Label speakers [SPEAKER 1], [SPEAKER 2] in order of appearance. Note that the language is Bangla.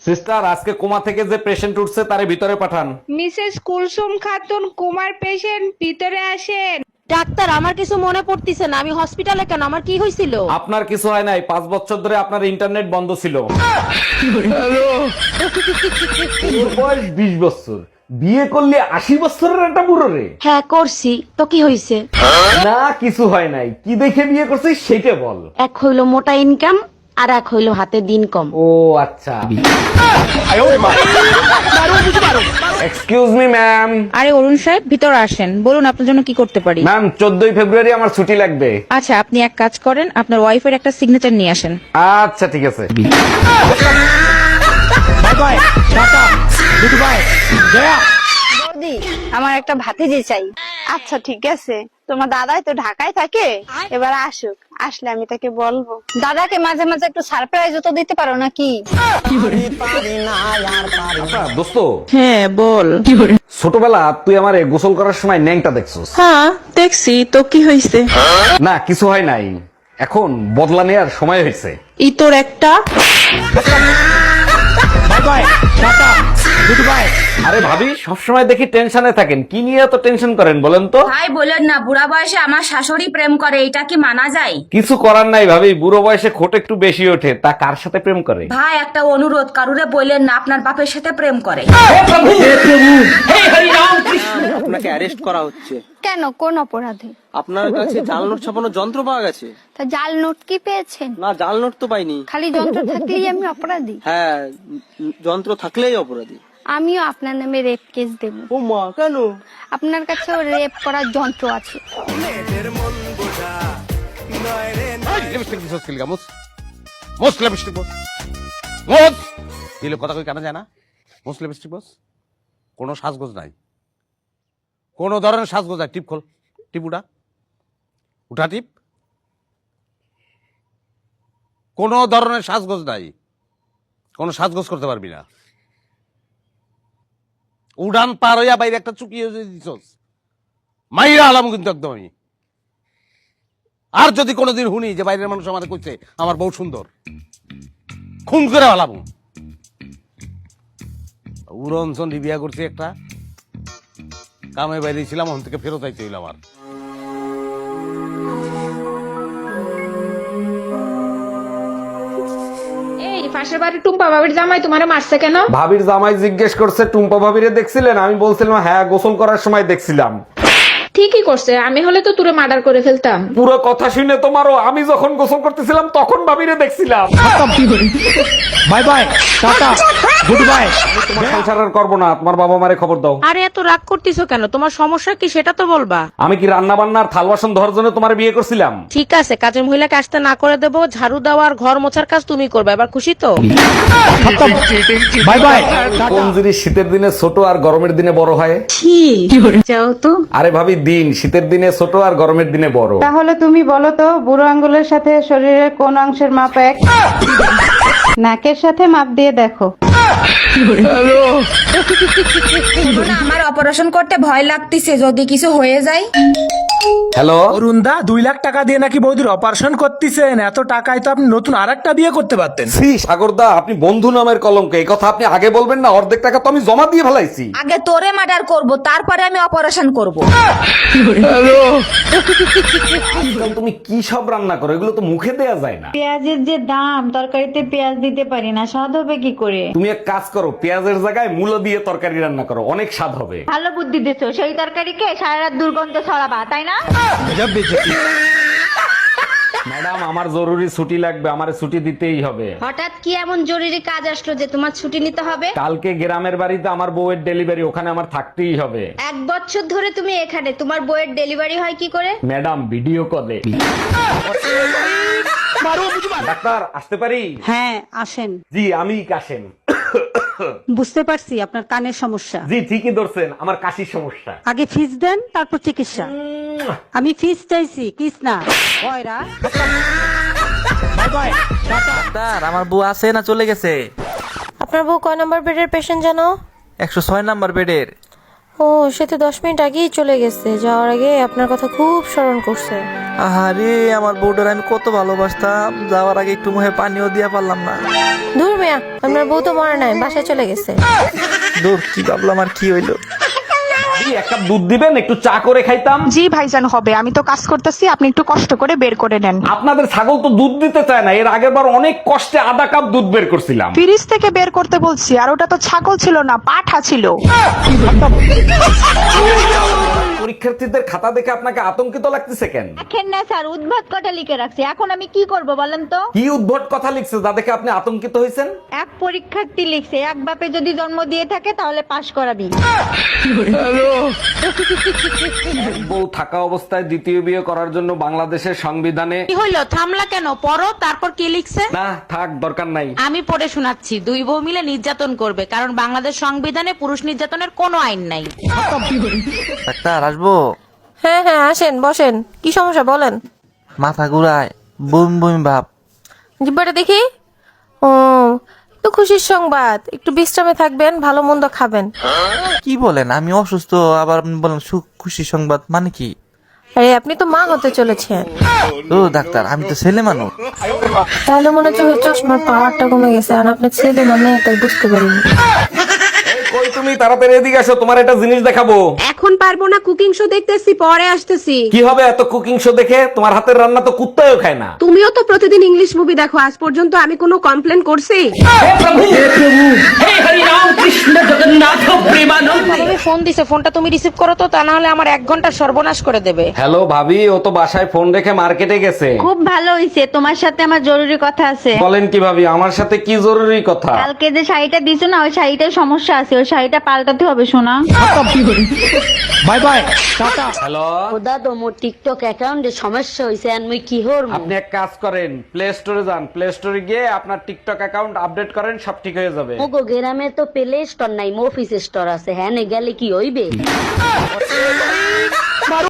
[SPEAKER 1] সিস্টার, আজকে কোমা থেকে যে পেশেন্ট উঠছে তারে ভিতরে পাঠান।
[SPEAKER 2] মিসেস কুলসুম খাতুন কুমার পেশেন্ট ভিতরে আসেন।
[SPEAKER 3] ডাক্তার, আমার কিছু মনে পড়তিছে না। আমি হসপিটালে কেন? আমার কি হয়েছিল?
[SPEAKER 1] আপনার কিছু হয় নাই, 5 বছর ধরে আপনার ইন্টারনেট বন্ধ ছিল। ওর বয়স 20 বছর, বিয়ে করলে 80 বছরের একটা বুড়ো রে।
[SPEAKER 3] হ্যাঁ করছি, তো কি হয়েছে?
[SPEAKER 1] না কিছু হয় নাই, কি দেখে বিয়ে করছিস সেটা বল।
[SPEAKER 3] এক হইলো মোটা ইনকাম, আর এক হইলো হাতে দিন কম।
[SPEAKER 1] ও আচ্ছা। Excuse me ma'am.
[SPEAKER 4] আরে অরুণ সাহেব, ভিতরে আসেন। বলুন আপনার জন্য কি করতে পারি।
[SPEAKER 1] ম্যাম 14ই ফেব্রুয়ারি আমার ছুটি লাগবে।
[SPEAKER 4] আচ্ছা, আপনি এক কাজ করেন, আপনার ওয়াইফের একটা সিগনেচার নিয়ে আসেন।
[SPEAKER 1] আচ্ছা ঠিক আছে।
[SPEAKER 5] বৌদি, আমার একটা ভাতিজি চাই। আচ্ছা ঠিক আছে, তোমার দাদাই তো ঢাকায় থাকে, এবার আসুক, আসলে আমি তাকে বলবো। দাদাকে মাঝে মাঝে একটু সারপ্রাইজও তো দিতে পারো নাকি?
[SPEAKER 1] আচ্ছা দোস্ত,
[SPEAKER 4] হ্যাঁ বল।
[SPEAKER 1] ছোটবেলা তুই আমারে গোসল করার সময় ন্যাংটা দেখছস?
[SPEAKER 4] হ্যাঁ দেখছি, তো কি হয়েছে?
[SPEAKER 1] না কিছু হয় নাই, এখন বদলা নেওয়ার সময় হয়েছে।
[SPEAKER 4] ই তোর একটা।
[SPEAKER 1] আরে ভাবি, সবসময় দেখি টেনশনে থাকেন, কি নিয়ে এত টেনশন করেন বলেন তো?
[SPEAKER 6] ভাই বলেন না, বুড়া বয়সে আমার শাশুড়ি প্রেম করে, এটা কি মানা যায়?
[SPEAKER 1] কিছু করার নাই ভাবি, বুড়ো বয়সে খোট একটু বেশি ওঠে, তা কার সাথে প্রেম করে?
[SPEAKER 6] ভাই একটা অনুরোধ, কারুরে বললেন না আপনার বাপের সাথে প্রেম করে।
[SPEAKER 7] আপনাকে অ্যারেস্ট করা হচ্ছে।
[SPEAKER 5] কেন, কোন অপরাধে?
[SPEAKER 7] আপনার কাছে জাল নোট ছাপানোর যন্ত্র পাওয়া গেছে।
[SPEAKER 5] তা জাল নোট কি পেয়েছেন?
[SPEAKER 7] না, জাল নোট তো পাইনি।
[SPEAKER 5] খালি যন্ত্র থাকলেই আমি অপরাধী?
[SPEAKER 7] হ্যাঁ, যন্ত্র থাকলেই অপরাধী।
[SPEAKER 5] আমিও আপনার নামে রেপ কেস দেব।
[SPEAKER 7] ও মা, কেন?
[SPEAKER 5] আপনার কাছেও রেপ করার যন্ত্র আছে।
[SPEAKER 1] লিপস্টিক দিছস কি লাগা? মোস লিপস্টিক বস, মোস দিলে কথা কই কানা যায় না? মোস লিপস্টিক বস, কোনো সাজগোজ নাই, কোন ধরনের সাজগোজ নাই। টিপ খোল, টিপ উঠা, উঠা টিপ। কোন ধরনের সাজগোজ নাই, কোন সাজগোজ করতে পারবি না। উড়ান পার হইয়া বাইরে একটা চুকিয়ে দিছস, মাইরা আলাম কিন্তু একদম আমি। আর যদি কোনোদিন শুনি যে বাইরের মানুষ আমাদের কইছে আমার বউ সুন্দর, খুন করে আলাম। উড়নচন বিয়া করছি একটা, কামে বাইরে ছিলাম, ওখান থেকে ফেরত আইতে হইল আমার।
[SPEAKER 2] এই পাশের বাড়ি টুম্পা বাবির জামাই তোমারে মারছে কেন?
[SPEAKER 1] ভাবির জামাই জিজ্ঞেস করছে টুম্পা ভাবিরে দেখছিলেন? আমি বলছিলাম হ্যাঁ, গোসল করার সময় দেখছিলাম।
[SPEAKER 2] ঠিকই করছে, আমি হলে তো তোরে মার্ডার করে ফেলতাম।
[SPEAKER 1] পুরো কথা শুনে তোমারও, আমি যখন গোসল করতেছিলাম তখন ভাবিরে দেখছিলাম। Bye bye, tata, good bye. তোমার সংসার আর করবো না, তোমার বাবা মারে খবর দাও।
[SPEAKER 3] আরে এত রাগ করতিছো কেন? তোমার সমস্যা কি সেটা তো বলবা।
[SPEAKER 1] আমি কি রান্না বান্নার থাল বাসন ধরার জন্য তোমার বিয়ে করছিলাম?
[SPEAKER 3] ঠিক আছে, কাজের মহিলাকে আসতে না করে দেবো, ঝাড়ু দেওয়া আর ঘর মোছার কাজ তুমি করবে। এবার খুশি তো?
[SPEAKER 1] Bye bye. কোন জিনিস শীতের দিনে ছোট আর গরমের দিনে বড় হয়?
[SPEAKER 5] যাও তো।
[SPEAKER 1] আরে ভাবি, দিন শীতের দিনে ছোট আর গরমের দিনে বড়।
[SPEAKER 8] তাহলে তুমি বলো তো, বুড়ো আঙ্গুলের সাথে শরীরের কোন অংশের মাপ এক? নাকের সাথে মাপ দিয়ে দেখো।
[SPEAKER 6] আমার অপারেশন করতে ভয় লাগতেছে, যদি কিছু হয়ে যায়।
[SPEAKER 1] হ্যালো
[SPEAKER 9] অরুণদা, 2 লাখ টাকা দিয়ে নাকি বৌদির অপারেশন করতেছেন? এত টাকায় তো আপনি নতুন আরেকটা বিয়ে করতে পারতেন।
[SPEAKER 1] শ্রী সাগরদা, আপনি বন্ধু নামের কলঙ্ক, এই কথা আপনি আগে বলবেন না? অর্ধেক টাকা তো আমি জমা দিয়ে ফেলাইছি।
[SPEAKER 6] আগে তোরে মার্ডার করব, তারপরে আমি অপারেশন করব।
[SPEAKER 1] আজকাল তুমি কি সব রান্না করো, এগুলো তো মুখে দেয়া যায় না।
[SPEAKER 8] পেঁয়াজের যে দাম, তরকারিতে পেঁয়াজ দিতে পারি না, স্বাদ হবে কি করে?
[SPEAKER 1] তুমি এক কাজ করো, পেঁয়াজের জায়গায় মূলো দিয়ে তরকারি রান্না করো, অনেক স্বাদ হবে।
[SPEAKER 8] ভালো বুদ্ধি দিছো, সেই তরকারিকে সারা রাত দুর্গন্ধ ছড়াবা, তাই না?
[SPEAKER 1] ম্যাডাম, আমার জরুরি ছুটি লাগবে, আমারে ছুটি দিতেই হবে।
[SPEAKER 3] হঠাৎ কি এমন জরুরি কাজ আসলো যে তোমার ছুটি নিতে হবে?
[SPEAKER 1] কালকে গ্রামের বাড়িতে আমার বউয়ের ডেলিভারি, ওখানে আমার থাকতেই হবে।
[SPEAKER 3] 1 বছর ধরে তুমি এখানে, তোমার বইয়ের ডেলিভারি হয় কি করে?
[SPEAKER 1] ম্যাডাম, ভিডিও কলে। ডাক্তার, আসতে পারি?
[SPEAKER 8] হ্যাঁ আসেন।
[SPEAKER 1] জি আমি কাশেম।
[SPEAKER 8] বুঝতে পারছি আপনার কানের সমস্যা।
[SPEAKER 1] জি ঠিকই ধরছেন, আমার কাশির সমস্যা।
[SPEAKER 8] আগে ফিস দেন, তারপর চিকিৎসা। আমি ফিস চাইছি, কিস না।
[SPEAKER 10] ডাক্তার, আমার বউ আছে না চলে গেছে?
[SPEAKER 3] আপনার বউ কয় নাম্বার বেডের পেশেন্ট জানো?
[SPEAKER 10] 106 নাম্বার বেডের।
[SPEAKER 3] ও সে তো 10 মিনিট আগেই চলে গেছে, যাওয়ার আগে আপনার কথা খুব স্মরণ করছে।
[SPEAKER 10] আহারে আমার বউটার আমি কত ভালোবাসতাম, যাওয়ার আগে একটু মুখে পানিও দিয়া পারলাম না।
[SPEAKER 3] দূর মিয়া, আপনার বউ তো মরে নাই, বাসায় চলে গেছে।
[SPEAKER 10] দূর, কি ভাবলাম আর কি হইলো।
[SPEAKER 1] এক কাপ দুধ দিবেন, একটু চা করে খাইতাম।
[SPEAKER 2] জি ভাইজান হবে, আমি তো কাজ করতেছি, আপনি একটু কষ্ট করে বের করে নেন।
[SPEAKER 1] আপনাদের ছাগল তো দুধ দিতে চায় না, এর আগের বার অনেক কষ্টে আধা কাপ দুধ বের করছিলাম।
[SPEAKER 2] ফ্রিজ থেকে বের করতে বলছি, আর ওটা তো ছাগল ছিল না, পাঠা ছিল।
[SPEAKER 1] পরীক্ষার্থীদের খাতা দেখে আপনাকে আতঙ্কিত লাগতেছে কেন?
[SPEAKER 5] দেখেন না স্যার, উদ্ভাত কটা লিখে রাখছি, এখন আমি কি করব বলেন তো?
[SPEAKER 1] কি উদ্ভট কথা লিখছে যা দেখে আপনি আতঙ্কিত হয়েছেন?
[SPEAKER 5] এক পরীক্ষার্থী লিখছে, এক বাপে যদি জন্ম দিয়ে থাকে তাহলে পাশ করাবি।
[SPEAKER 1] বউ থাকা অবস্থায় দ্বিতীয় বিয়ে করার জন্য বাংলাদেশের সংবিধানে
[SPEAKER 3] কি হইলো, থামলা কেন? পড়ো, তারপর কি লিখছে?
[SPEAKER 1] না থাক, দরকার নাই।
[SPEAKER 3] আমি পড়ে শোনাচ্ছি। 2 বউ মিলে নির্যাতন করবে, কারণ বাংলাদেশ সংবিধানে পুরুষ নির্যাতনের কোনো আইন নাই।
[SPEAKER 10] ডাক্তার আসবো?
[SPEAKER 3] হ্যাঁ হ্যাঁ আসেন, বসেন। কি সমস্যা বলেন?
[SPEAKER 10] মাথা ঘুরায়, বমি বমি ভাব।
[SPEAKER 3] জিব্বাটা দেখি। ও, একটু খুশির সংবাদ, একটু বিশ্রামে থাকবেন, ভালো মন্দ খাবেন।
[SPEAKER 10] কি বলেন, আমি অসুস্থ আবার আপনি বলেন সুখ খুশি সংবাদ, মানে কি?
[SPEAKER 3] আরে আপনি তো মা হতে চলেছেন।
[SPEAKER 10] ও ডাক্তার, আমি তো ছেলে মানুষ।
[SPEAKER 3] তাহলে মনে হচ্ছে চশমার পাওয়ারটা কমে গেছে, আর আপনার ছেলে মানে তাই বুঝতে পারিনি।
[SPEAKER 1] কই তুমি, তাড়াতাড়ি এদিকে আসো, তোমার একটা জিনিস দেখাবো।
[SPEAKER 3] এখন পারবো না, কুকিং শো দেখতেছি, পরে আসতেছি।
[SPEAKER 1] কি হবে এত কুকিং শো দেখে? তোমার হাতের রান্না তো কুত্তাও খায় না।
[SPEAKER 3] তুমিও তো প্রতিদিন ইংলিশ মুভি দেখো, আজ পর্যন্ত আমি কোনো কমপ্লেন করছি? ফোন দিছে, ফোনটা তুমি রিসিভ করো তো, তা না হলে আমার 1 ঘন্টা সর্বনাশ করে দেবে।
[SPEAKER 1] হ্যালো ভাবি, ও তো বাসায় ফোন রেখে মার্কেটে গেছে।
[SPEAKER 5] খুব ভালো হইছে, তোমার সাথে আমার জরুরি কথা আছে।
[SPEAKER 1] বলেন কি ভাবি, আমার সাথে কি জরুরি কথা?
[SPEAKER 5] কালকে যে শাড়িটা দিছো না, ওই শাড়িটার সমস্যা আছে, ওই শাড়িটা পাল্টাতে হবে শোনা।
[SPEAKER 9] By bye, tata.
[SPEAKER 1] হ্যালো,
[SPEAKER 3] দাদা মোর টিকটক অ্যাকাউন্টে সমস্যা হইছে, আর মুই কি হরমু?
[SPEAKER 1] আপনি এক কাজ করেন, প্লে স্টোরে যান, প্লে স্টোরে গিয়ে আপনার টিকটক অ্যাকাউন্ট আপডেট করেন, সব ঠিক হয়ে যাবে।
[SPEAKER 3] মোগো গ্রামে তো প্লে স্টোর নাই, অফিস স্টোর আছে। হ্যাঁ, গেলে কি হইবে?